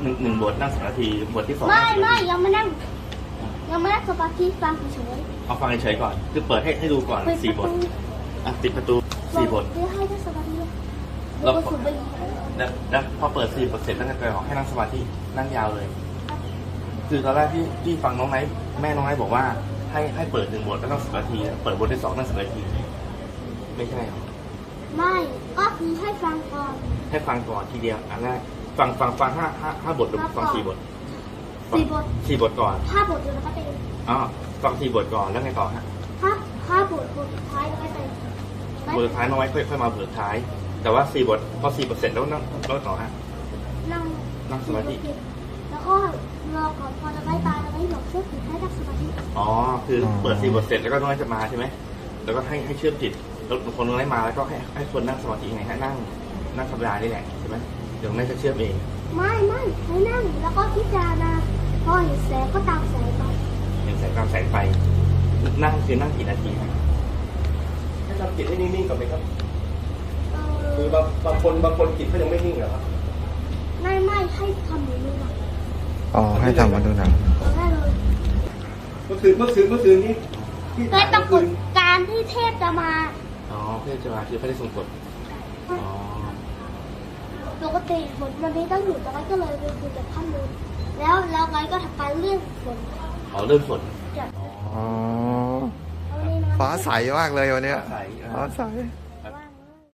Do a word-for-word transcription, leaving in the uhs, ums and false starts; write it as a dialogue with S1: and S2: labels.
S1: หนึ่งหนึ่งบทนั่งสมาธิบทที่สอง
S2: ไม่ไม่ยังไม่นั่งยังไม่นั่งสมาธิฟังเฉย
S1: เอาฟังเฉยๆก่อนคือเปิดให้ให้ดูก่อน
S2: ๆ
S1: สี่บทอ่ะติดประตูสี่บท
S2: เพื่อให้นั่งสมาธิ
S1: แล้
S2: แล้ว วก็สูบบุหรี่
S1: แล้วแล้วพอเปิดสี่บทเสร็จแล้วก็ไปบอกให้นั่งสมาธินั่งยาวเลย คือตอนแรกที่ที่ฟังน้องไนท์แม่น้องไนท์บอกว่าให้ให้เปิดหนึ่งบทแล้วต้องสิบนาทีเปิดบทที่สองนั่งสิบนาทีไม่ใช่หรอ
S2: ไม่ก็คือให้ฟังก่อน
S1: ให้ฟังก่อนทีเดียวอันแรกฟังฟังฟังห้าห้าห้าบทหรือฟังสี่บท
S2: สี่บท
S1: สี่บทก่อน
S2: ห้าบทเดียวแล้วก็เต็ม
S1: อ๋อฟังสี่บทก่อนแล้วไงต่อฮะ
S2: ห้าห้าบทบทสุดท้ายแล้วก็เต็ม
S1: บทสุดท้ายน้องไว้ค่อยค่อยมาบทสุดท้าย แต่ว่าสี่บทพอสี่บทเสร็จแล้วนั่งแล้วต่อฮะ
S2: นั่ง
S1: นั่งสมาธิ
S2: แล้วก็รอก่อนพอจะไม่ตายแล้วไม่หลบเชื่อถือให้นั่งสมาธิ
S1: อ๋อคือเปิดสี่บทเสร็จแล้วก็น้องไว้จะมาใช่ไหมแล้วก็ให้ให้เชื่อมจิตแล้วคนน้องไว้มาแล้วก็ให้ให้คนนั่งสมาธิยังไงให้นั่งนั่งธรรมดานี่แหละใช่ไหมเดี๋ยวน้องไว้จะเชื่อมเอง
S2: ไม่ไม่ให้นั่งแล้วก็พิจารณาพอเห็นแสงก็ตามแสงไป
S1: เห็นแสงตามแสงไฟนั่งคือนั่งกี่นาทีครับให้ทำจิตให้นิ่งๆก่อนไหมครับ
S2: เอ
S1: คือ
S2: อบ
S1: างบางคนบางคนจิตเขายังไม่นิ่งเหรอครับ
S2: ไม่ไม่ให้ทำอย่างนี้นะ
S3: อ๋อให้ทำมาดูหนัง
S2: ได้เลย
S1: เมื่อคืนเมื่อคืนเมื่อคืนนี้ที่
S2: แต่ปรากฏการที่เทพจะมา
S1: อ๋อเพื่อจะมาคือพระได้ทรงกฎอ๋อ
S2: ปกติฝนวันนี้ต้องอยู่แต่ว่าก็เลยไปคุยกับท่านเลยแล้วแล้วไงก็ทำการเรื่องฝน
S1: อ๋อเริ่มฝน
S2: จาก
S3: อ๋อ
S2: เอาวันนี้นะ
S3: ฟ้าใสมากเลยวันเนี้ย
S1: ใส
S3: ฟ้าใส
S1: อ